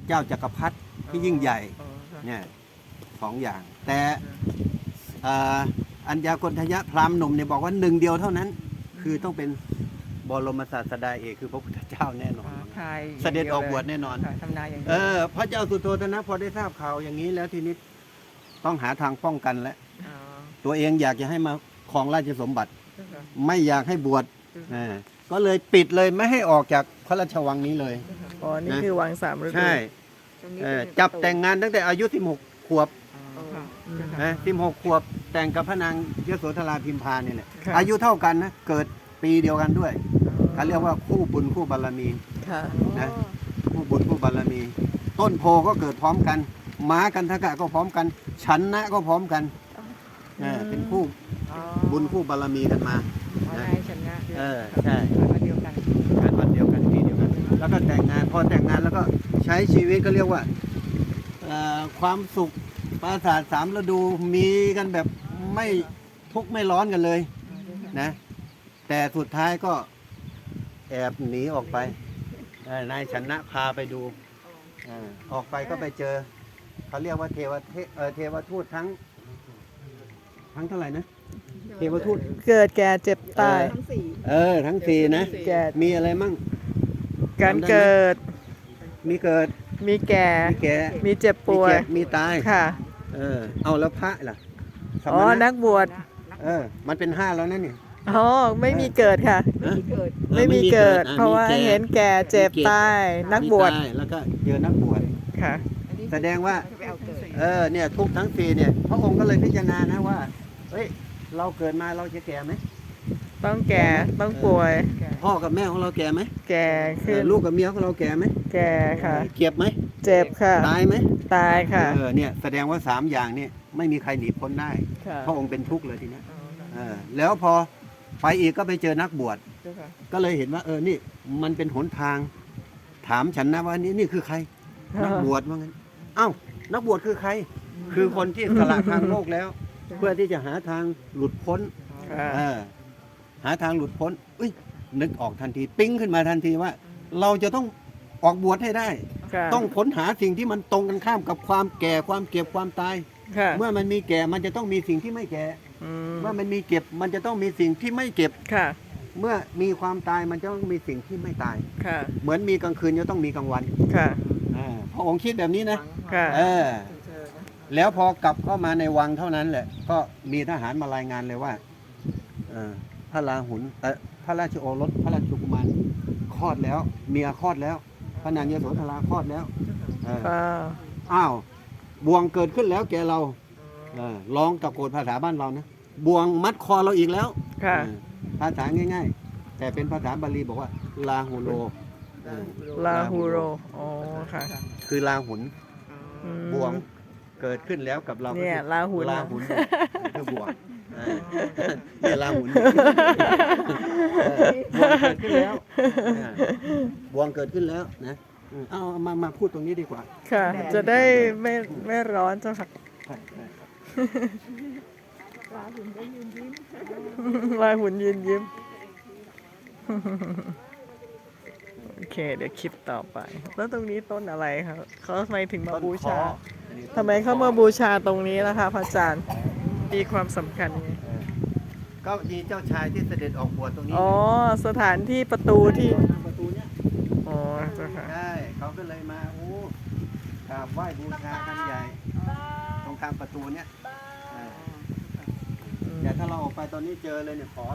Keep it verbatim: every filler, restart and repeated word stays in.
เจ้าจักรพรรดิที่ยิ่งใหญ่เนี่ยสองอย่าง แต่อัญญากณฑยะพราหมณ์หนุ่มเนี่ยบอกว่าหนึ่งเดียวเท่านั้น คือต้องเป็นบรมศาสดาเอกคือพระพุทธเจ้าแน่นอนเสด็จออกบวชแน่นอนทำนายอย่างเออพระเจ้าสุโธทนะพอได้ทราบข่าวอย่างนี้แล้วทีนี้ต้องหาทางป้องกันแล้วตัวเองอยากจะให้มาครองราชสมบัติ ไม่อยากให้บวชก็เลยปิดเลยไม่ให้ออกจากพระราชวังนี้เลยอ๋อนี่คือวังสามฤดูใช่จับแต่งงานตั้งแต่อายุสิบหกขวบนะสิบหกขวบแต่งกับพระนางยโสธราพิมพาเนี่ยแหละอายุเท่ากันนะเกิดปีเดียวกันด้วยเขาเรียกว่าคู่บุญคู่บารมีนะคู่บุญคู่บารมี ต้นโพก็เกิดพร้อมกันม้ากันทกะก็พร้อมกันฉันนะก็พร้อมกันเป็นคู่บุญคู่บารมีกันมาฉันนะเออใช่วันเดียวกันกันวันเดียวกันปีเดียวกันแล้วก็แต่งงานพอแต่งงานแล้วก็ใช้ชีวิตก็เรียกว่าความสุขปราสาทสามฤดูมีกันแบบไม่ทุกข์ไม่ร้อนกันเลยนะแต่สุดท้ายก็แอบหนีออกไปนายชนะพาไปดูออกไปก็ไปเจอเขาเรียกว่าเทวเทเทวทูตทั้งทั้งเท่าไหร่นะเทวทูตเกิดแก่เจ็บตายเออทั้งสี่นะมีอะไรมั่งการเกิดมีเกิดมีแก่มีแก่มีเจ็บป่วยมีตายค่ะเออเอาแล้วพระล่ะอ๋อนักบวชเออมันเป็นห้าแล้วนั่นนี่อ๋อไม่มีเกิดค่ะไม่มีเกิดเพราะว่าเห็นแก่เจ็บตายนักบวชแล้วก็เจอนักบวชค่ะแสดงว่าเออเนี่ยทุกทั้งสี่เนี่ยพระองค์ก็เลยพิจารณานะว่าเฮ้ยเราเกิดมาเราจะแก่ไหมต้องแก่ต้องป่วยพ่อกับแม่ของเราแก่ไหมแก่ขึ้นลูกกับเมียของเราแก่ไหมแก่ค่ะเจ็บไหมเจ็บค่ะตายไหมตายค่ะเออเนี่ยแสดงว่าสามอย่างเนี่ยไม่มีใครหนีพ้นได้พระองค์เป็นทุกข์เลยทีนี้เออแล้วพอไปอีกก็ไปเจอนักบวชก็เลยเห็นว่าเออนี่มันเป็นหนทางถามฉันนะว่านี่นี่คือใครนักบวชว่างั้นเอ้านักบวชคือใครคือคนที่สละทางโลกแล้ว เพื่อที่จะหาทางหลุดพ้นเออหาทางหลุดพ้นอุ้ยนึกออกทันทีปิ๊งขึ้นมาทันทีว่า เราจะต้องออกบวชให้ได้ต้องค้นหาสิ่งที่มันตรงกันข้ามกับความแก่ความเก็บความตายเมื่อมันมีแก่มันจะต้องมีสิ่งที่ไม่แก่เมื่อมันมีเก็บมันจะต้องมีสิ่งที่ไม่เก็บเมื่อมีความตายมันจะต้องมีสิ่งที่ไม่ตายเหมือนมีกลางคืนจะต้องมีกลางวันพระองค์คิดแบบนี้นะเออแล้วพอกลับเข้ามาในวังเท่านั้นแหละก็มีทหารมารายงานเลยว่าพระราหุลพระราชโอรสพระราชกุมารคลอดแล้วเมียคลอดแล้วพระนางยโสธราคลอดแล้วอ้าวบ่วงเกิดขึ้นแล้วแกเราร้องตะโกนภาษาบ้านเรานะบ่วงมัดคอเราอีกแล้วภาษาง่ายๆแต่เป็นภาษาบาลีบอกว่าลาหูโรลาหูโรอ๋อค่ะคือลาหุนบ่วงเกิดขึ้นแล้วกับเราเนี่ยลาหุนลาหุนคือบ่วงเนี่ยลาหุนบ่วงเกิดขึ้นแล้วบ่วงเกิดขึ้นแล้วนะเอามามาพูดตรงนี้ดีกว่าค่ะจะได้ไม่ไม่ร้อนเจ้าค่ะลาหุนก็ยืนยิ้มลาหุนยืนยิ้มโอเคเดี๋ยวคลิปต่อไปแล้วตรงนี้ต้นอะไรครับเขาทำไมถึงมาบูชาทำไมเขามาบูชาตรงนี้ล่ะคะพระอาจารย์มีความสำคัญไงก็มีเจ้าชายที่เสด็จออกบวชตรงนี้อ๋อสถานที่ประตูที่ประตูเนี้ยอ๋อใช่เขาก็เลยมาโอ้กราบไหว้บูชากันใหญ่ตรงข้ามประตูเนี้ยแต่ถ้าเราออกไปตอนนี้เจอเลยเนี่ยขอ